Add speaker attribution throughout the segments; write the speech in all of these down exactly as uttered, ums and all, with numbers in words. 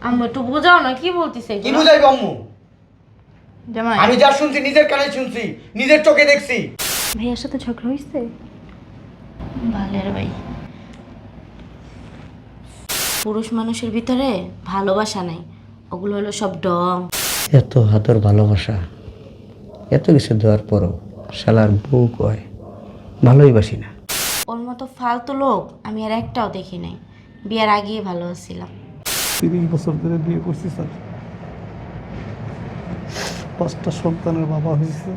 Speaker 1: আম্মু একটু বোঝাও না, কি বলতিছে
Speaker 2: কি বুঝাইবো আম্মু?
Speaker 1: জামাই
Speaker 2: আমি যা শুনছি নিজের কানে শুনছি, নিজের চোখে দেখছি।
Speaker 3: ভাইয়ার সাথে ঝগড়া হয়েছে?
Speaker 1: ভালের ভাই, পুরুষ মানুষের ভিতরে ভালোবাসা নাই, ওগুলো হলো সব ডং।
Speaker 4: এত হাতর ভালোবাসা, এত কিছু দেওয়ার পরও শালার বউ কয় ভালোই বাসি না।
Speaker 1: ওর মতো ফালতু লোক আমি আর একটাও দেখি নাই। বিয়ার আগেই ভালো আছিলাম।
Speaker 5: তিরিশ বছর ধরে বিয়ে করছি স্যার, পাঁচটা সন্তানের বাবা হয়েছে।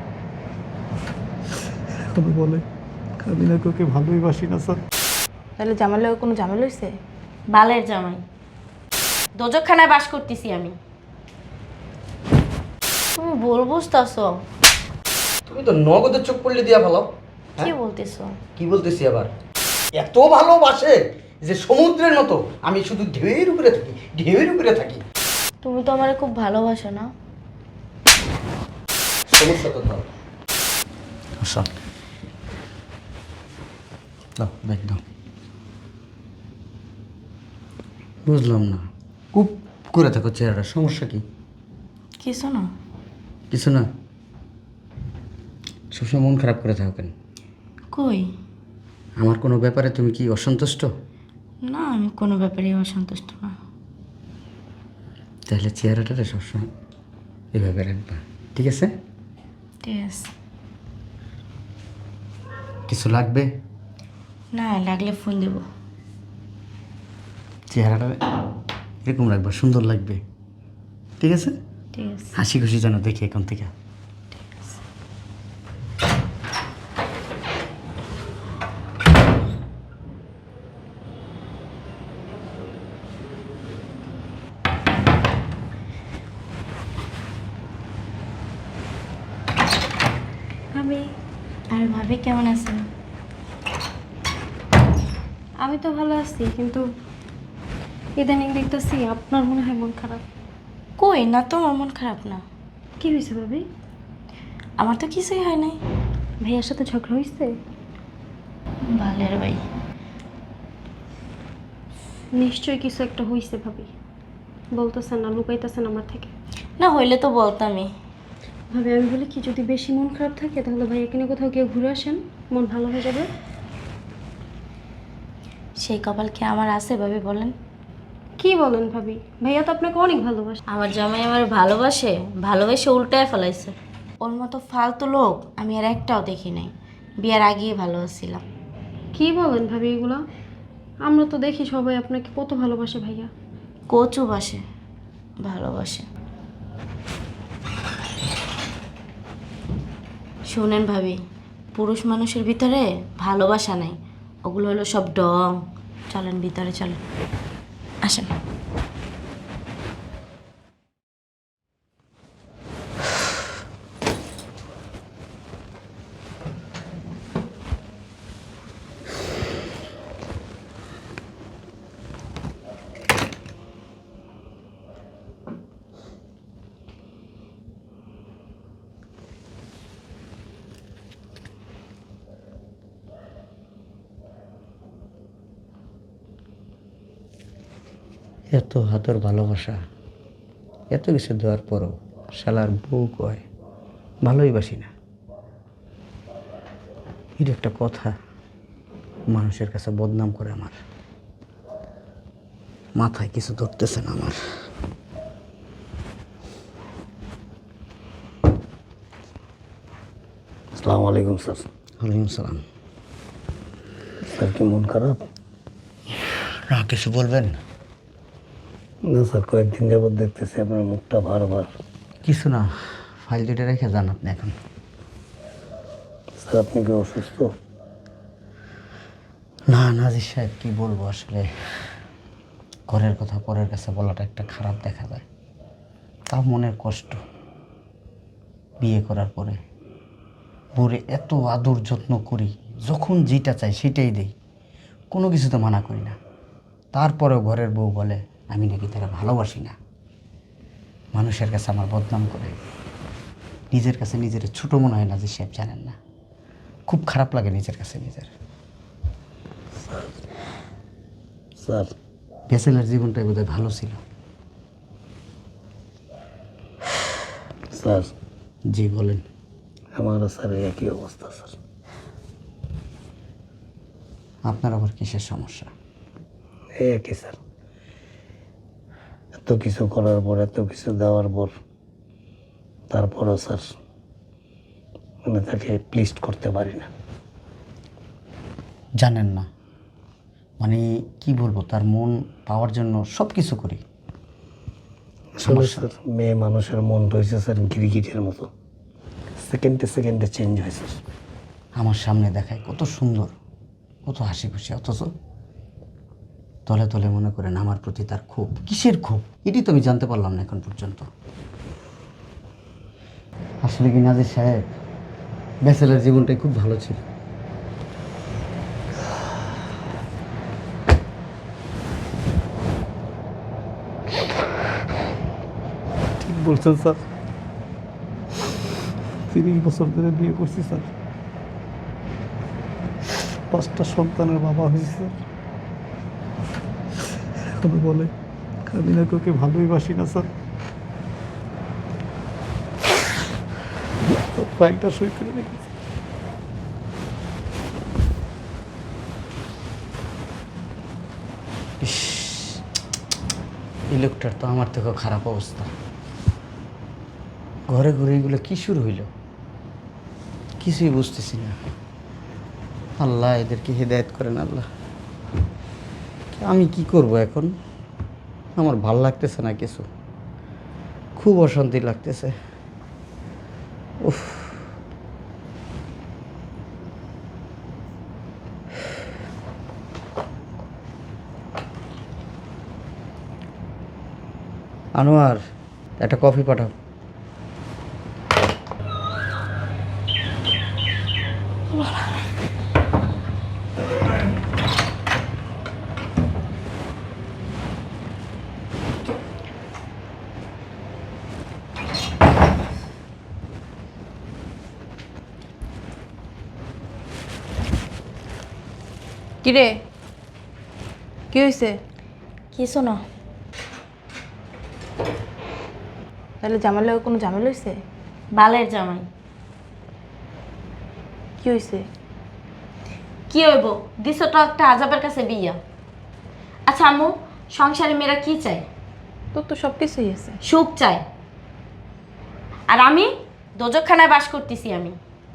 Speaker 5: এখন বলে আমি নাকি ওকে ভালোই বাসি না স্যার।
Speaker 3: তাহলে জামালের কোনো ঝামেলা হয়েছে?
Speaker 1: বালের জামাই, দোজকখানায় বাস করতেছি আমি। তুমি বল বুঝতেছো?
Speaker 2: তুমি তো নগদের চোখ পড়লে দিয়া ভালো।
Speaker 1: কি বলতেছো?
Speaker 2: কি বলতেছি আবার? এত ভালোবাসে যে সমুদ্রের মতো, আমি শুধু ঢেউয়ের উপরে থাকি, ঢেউয়ের উপরে থাকি।
Speaker 1: তুমি তো আমারে খুব ভালোবাসো না?
Speaker 2: সমস্যা তো দাও।
Speaker 4: আচ্ছা দাও, ব্যাগ দাও। বুঝলাম না, খুব করে থাকো চেহারাটা, সমস্যা কি?
Speaker 1: কিছু না।
Speaker 4: কিছু না? সবসময় মন খারাপ করে থাকো কেন?
Speaker 1: কই
Speaker 4: আমার কোনো ব্যাপারে তুমি কি অসন্তুষ্ট?
Speaker 1: না, আমি কোনো ব্যাপারেই অসন্তুষ্ট না।
Speaker 4: তাহলে চেহারাটা সবসময় এভাবে রাখবা, ঠিক আছে?
Speaker 1: ঠিক আছে।
Speaker 4: কিছু লাগবে?
Speaker 1: না, লাগলে ফোন দেব।
Speaker 4: চেহারাটা এরকম রাখবা, সুন্দর লাগবে, ঠিক আছে?
Speaker 1: ঠিক আছে।
Speaker 4: হাসি খুশি যেন দেখি এখন থেকে।
Speaker 3: আমি
Speaker 1: আর ভাবি কেমন আছেন?
Speaker 3: আমি তো ভালো আছি, কিন্তু ইদানিং দেখতেছি আপনার মনে হয় মন খারাপ।
Speaker 1: কই না তো, আমার মন খারাপ না।
Speaker 3: কি হয়েছে ভাবি?
Speaker 1: আমার তো কিছুই হয় নাই।
Speaker 3: ভাইয়ার সাথে ঝগড়া হয়েছে?
Speaker 1: ভালের ভাই,
Speaker 3: নিশ্চয়ই কিছু একটা হয়েছে ভাবি, বলতেছেন না, লুকাইতেছেন আমার থেকে।
Speaker 1: না হইলে তো বলতামই।
Speaker 3: ভাবি আমি বলি কি, যদি বেশি মন খারাপ থাকে তাহলে ভাইয়াকে নিয়ে কোথাও গিয়ে ঘুরে আসেন, মন ভালো হয়ে যাবে।
Speaker 1: সেই কপাল কি আমার আছে ভাবি বলেন?
Speaker 3: কি বলেন ভাবি? ভাইয়া তো আপনাকে অনেক ভালোবাসে।
Speaker 1: আমার জামাই আমার ভালোবাসে, ভালোবেসে উল্টায় ফেলাইছে। ওর মতো ফালতু লোক আমি আর একটাও দেখি নাই। বিয়ার আগেই ভালো আছিলাম।
Speaker 3: কি বলেন ভাবি এগুলা? আমরা তো দেখি সবাই আপনাকে কত ভালোবাসে ভাইয়া।
Speaker 1: কচু বাসে ভালোবাসে। শোনেন ভাবি, পুরুষ মানুষের ভিতরে ভালোবাসা নাই, ওগুলো হলো সব ডং। চলেন ভিতরে, চলেন, আসেন।
Speaker 4: এত হাতর ভালোবাসা, এত কিছু দেওয়ার পরও শালার বউ কয় ভালোই বাসি না। এটা একটা কথা? মানুষের কাছে বদনাম করে আমার, মাথায় কিছু ধরতেছে না আমার।
Speaker 5: আসসালামু আলাইকুম স্যার।
Speaker 4: ওয়ালাইকুম সালাম।
Speaker 5: স্যার কি মন খারাপ?
Speaker 4: না, কিছু বলবেন?
Speaker 5: না স্যার, কয়েকদিন যাবত দেখতেছি আপনার মুখটা বারবার।
Speaker 4: কিছু না, ফাইল দুটো রেখে যান আপনি এখন।
Speaker 5: স্যার আপনি কি অসুস্থ?
Speaker 4: না নাজির সাহেব, কি বলবো আসলে, ঘরের কথা পরের কাছে বলাটা একটা খারাপ দেখা যায়, তাও মনের কষ্ট। বিয়ে করার পরে বউরে এত আদর যত্ন করি, যখন যেটা চাই সেটাই দেই, কোনো কিছুতে মানা করি না। তারপরেও ঘরের বউ বলে আমি নাকি তারা ভালোবাসি না। মানুষের কাছে আমার বদনাম করে, নিজের কাছে নিজের ছোটো মনে হয় নাজির সাহেব, জানেন না? খুব খারাপ লাগে নিজের কাছে নিজের।
Speaker 5: স্যার
Speaker 4: ব্যাচেলার জীবনটাই বোধহয় ভালো ছিল।
Speaker 5: স্যার
Speaker 4: জি বলেন।
Speaker 5: আমারও স্যার একই অবস্থা স্যার।
Speaker 4: আপনার আবার কিসের সমস্যা?
Speaker 5: এই একই স্যার, এত কিছু করার পর, এত কিছু দেওয়ার পর, তারপরও স্যার মানে তাকে প্লিজ করতে পারি না।
Speaker 4: জানেন না, মানে কি বলবো, তার মন পাওয়ার জন্য সব কিছু করি।
Speaker 5: আসলে স্যার মেয়ে মানুষের মন রয়েছে স্যার গিরগিটের মতো, সেকেন্ডে সেকেন্ডে চেঞ্জ হয়েছে।
Speaker 4: আমার সামনে দেখায় কত সুন্দর, কত হাসি খুশি, অথচ তলে তলে মনে করেন আমার প্রতি তার ক্ষোভ। কিসের ক্ষোভ এটি তো আমি জানতে পারলাম না এখন পর্যন্ত। আসলে কি নাজির সাহেব, ব্যাচেলার জীবনটাই খুব ভালো ছিল।
Speaker 5: ঠিক বলছেন স্যার, তিরিশ বছর ধরে বিয়ে করছি স্যার, পাঁচটা সন্তানের বাবা হয়েছে স্যার। এখনো বলে আমি না তোকে ভালোই বাসি না স্যার। ফাইলটা সই করে রেখেছি।
Speaker 4: ইস, এই লোকটার তো আমার থেকেও খারাপ অবস্থা। ঘরে ঘরে এগুলো কি শুরু হইল কিছুই বুঝতেছি না। আল্লাহ এদেরকে হেদায়েত করেন আল্লাহ। আমি কি করব এখন? আমার ভাল লাগতেছে না কিছু, খুব অশান্তি লাগতেছে। উফ, আনোয়ার একটা কফি পাঠাও।
Speaker 6: কিরে কি হয়েছে?
Speaker 1: কিছু না।
Speaker 6: তাহলে জামাইলে কোনো ঝামেলা হয়েছে?
Speaker 1: বালের জামাই।
Speaker 6: কি হয়েছে?
Speaker 1: কি হইব, দিছো তো একটা আজাবের কাছে বিয়া। আচ্ছা আম্মু, সংসারে মেয়েরা কি চায়?
Speaker 6: তোর তো সব কিছুই আছে।
Speaker 1: সুখ চায়। আর আমি দোজকখানায় বাস করতেছি। আমি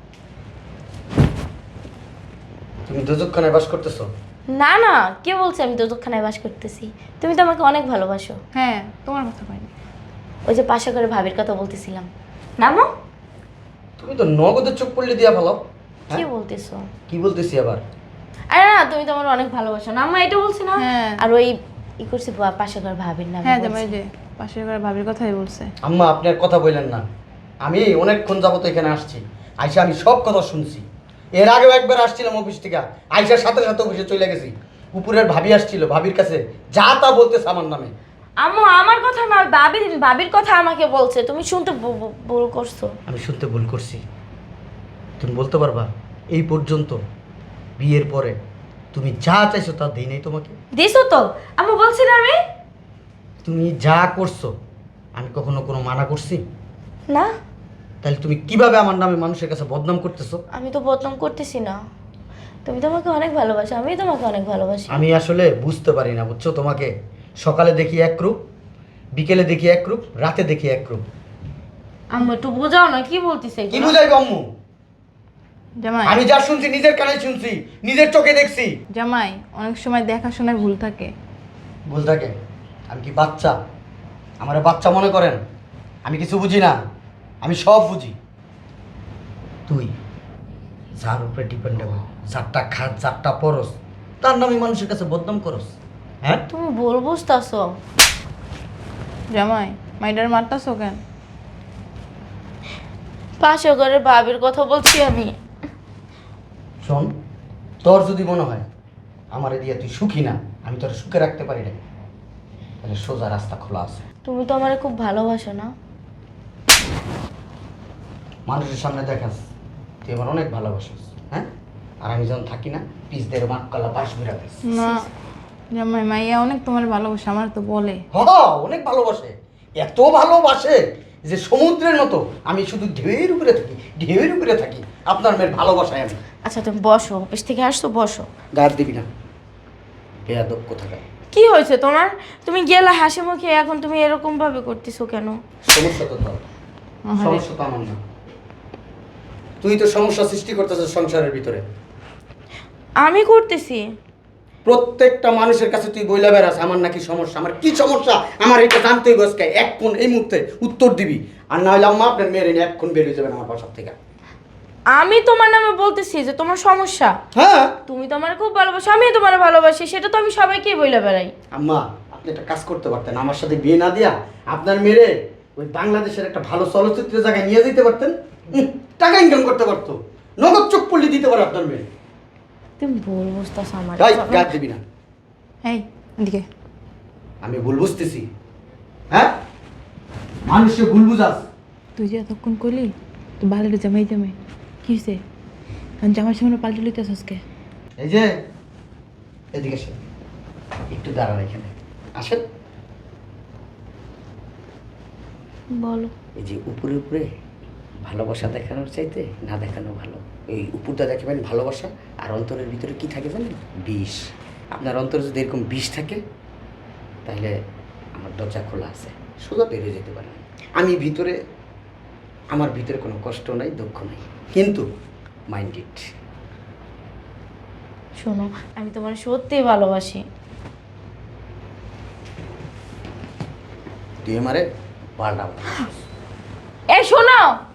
Speaker 2: তুমি দুজকখানায় বাস করতেছো?
Speaker 1: না না, কে বলছে আমি দোজকখানায় বাস করতেছি? তুমি তো আমাকে অনেক ভালোবাসো।
Speaker 6: হ্যাঁ, তোমার কথা পাইনি।
Speaker 1: ওই যে পাশে করে ভাবির কথা বলতেছিলাম না মো?
Speaker 2: তুমি তো নগদের চোখ পড়লে দিয়া ফেলাও।
Speaker 1: কি বলতেছো?
Speaker 2: কি বলতেছি আবার?
Speaker 1: আরে না, তুমি তো আমার অনেক ভালোবাসো না আম্মা, এটা বলছি না?
Speaker 6: হ্যাঁ।
Speaker 1: আর ওই ই করছি পাশে করে ভাবির নাম।
Speaker 6: হ্যাঁ জামাই যে পাশের ঘরে ভাবির কথাই বলছে।
Speaker 2: আম্মা আপনি আর কথা বললেন না। আমি অনেকক্ষণ যাবত এখানে আসছি, আইসা আমি সব কথা শুনছি। এর আগেও একবার আসছিলাম অফিস থেকে, আইসার সাথে সাথে অফিসে চলে গেছি। উপরের ভাবি আসছিল, ভাবির কাছে যা তা বলতেছে আমার নামে।
Speaker 1: আম্মু আমার কথা না, ভাবির ভাবির কথা আমাকে বলছে। তুমি শুনতে ভু- ভু- ভুল করছো।
Speaker 2: আমি শুনতে ভুল করছি? তুমি বলতে পারবা এই পর্যন্ত বিয়ের পরে তুমি যা চাইছো তা দেই নাই তোমাকে?
Speaker 1: দিছো তো আম্মু, বলছি না আমি?
Speaker 2: তুমি যা করছো আমি কখনো কোনো মানা করছি?
Speaker 1: না,
Speaker 2: তাহলে তুমি কিভাবে আমার নামে মানুষের কাছে বদনাম করতেছো?
Speaker 1: আমি তো বদনাম করতেছি না। তুমি তো আমাকে অনেক ভালোবাসো, আমি তোমাকে অনেক ভালোবাসি।
Speaker 2: আমি আসলে বুঝতে পারি না, বুঝছো? তোমাকে সকালে দেখি এক রূপ, বিকেলে দেখি এক রূপ, রাতে দেখি এক রূপ।
Speaker 1: আম্মু একটু বোঝাও না, কি বলতিছে
Speaker 2: কি বুঝাই আম্মু?
Speaker 6: জামাই
Speaker 2: আমি যা শুনছি নিজের কানে শুনছি, নিজের চোখে দেখছি।
Speaker 6: জামাই অনেক সময় দেখাশোনায় ভুল থাকে।
Speaker 2: ভুল থাকে? আমি কি বাচ্চা? আমারে বাচ্চা মনে করেন? আমি কিছু বুঝি না, আমি সব বুঝি। তুই যার উপরে ডিপেন্ডেবল, যারটা খাত, যারটা পরস, তার নামে মানুষের কাছে বদনাম করস। হ্যাঁ,
Speaker 1: তুমি ভুল বুঝতেছো।
Speaker 6: জামাই মাইডার মারতাছো কেন?
Speaker 1: পাশে ঘরের ভাবির কথা বলছি আমি।
Speaker 2: শোন, তোর যদি মনে হয় আমারে দিয়ে তুই সুখী না, আমি তোর সুখে রাখতে পারি না, তাহলে সোজা রাস্তা খোলা আছে।
Speaker 1: তুমি তো আমারে খুব ভালোবাসো না?
Speaker 2: মানুষের সামনে দেখাস তুই আমার অনেক ভালোবাসিস, হ্যাঁ? আর আমি যখন থাকি না, পিস দের মাঠ কলা পাশ বেড়াতিস।
Speaker 6: না জামাই, মাইয়া অনেক তোমার ভালোবাসে, আমার তো বলে।
Speaker 2: হ, অনেক ভালোবাসে, এত ভালোবাসে যে সমুদ্রের মতো আমি শুধু ঢেউয়ের উপরে থাকি, ঢেউয়ের উপরে থাকি আপনার মেয়ের ভালোবাসায় আমি।
Speaker 1: আচ্ছা তুমি বসো, অফিস থেকে আসছো, বসো।
Speaker 2: গায়ে দিবি না, বেয়াদব কোথাকার।
Speaker 1: কি হয়েছে তোমার? তুমি গেলা হাসি মুখে, এখন তুমি এরকম ভাবে করতেছো কেন?
Speaker 2: সমস্যা তো তোর, সমস্যা তো আমার না। তুই তো সমস্যা সৃষ্টি করতেছিস সংসারের ভিতরে।
Speaker 1: আমি করতেছি?
Speaker 2: প্রত্যেকটা মানুষের কাছে তুই বইলা বেড়াস আমার নাকি সমস্যা। আমার কি সমস্যা আমার এটা জানতেই বসকে এক কোন এই মুহূর্তে উত্তর দিবি, আর না হলে আম্মা আপনার মেয়ের এনে এক কোন বেরিয়ে যাবেন আমার বাসার থেকে।
Speaker 1: আমি তোমার নামে বলতেছি যে তোমার সমস্যা।
Speaker 2: হ্যাঁ
Speaker 1: তুমি তো আমার খুব ভালোবাসো, আমি তোমার ভালোবাসি, সেটা তো আমি সবাইকেই বইলা বেড়াই।
Speaker 2: আম্মা আপনি একটা কাজ করতে পারতেন, আমার সাথে বিয়ে না দিয়া আপনার মেয়ে ওই বাংলাদেশের একটা ভালো চলচ্চিত্রের জায়গায় নিয়ে যেতে পারতেন, উম, টাকা ইনকাম করতে পারতো, নগদ চোখ পল্লি দিতে পারে আপনার মেয়ে।
Speaker 1: তুমি ভুল বুঝতেছো আমার।
Speaker 2: তাই গাছ দিবি না।
Speaker 6: এই এদিকে।
Speaker 2: আমি ভুল বুঝতেছি? হ্যাঁ মানুষকে ভুল বুঝাস?
Speaker 6: তুই যে এতক্ষণ করলি তো ভালো জামাই জামাই কি হয়েছে? জামার সামনে পাল্টে লইতেছ আজকে।
Speaker 2: এই যে এদিকে আসেন, একটু দাঁড়ান এখানে, আসেন।
Speaker 1: বলো।
Speaker 2: এই যে উপরে উপরে ভালোবাসা দেখানোর চাইতে না দেখানো ভালো। এই উপরটা দেখাবেন ভালোবাসা, আর অন্তরের ভিতরে কি থাকে জানেন? বিষ। আপনার অন্তরে যদি এরকম বিষ থাকে তাহলে আমার দরজা খোলা আছে, সোজা বেরিয়ে যেতে পারেন। আমি ভিতরে, আমার ভিতরে কোনো কষ্ট নাই, দুঃখ নাই, কিন্তু মাইন্ড ইট।
Speaker 1: শোনো, আমি তোমার সত্যিই ভালোবাসি।
Speaker 2: তুই আমারে পাল্টা।
Speaker 1: এই শোনো,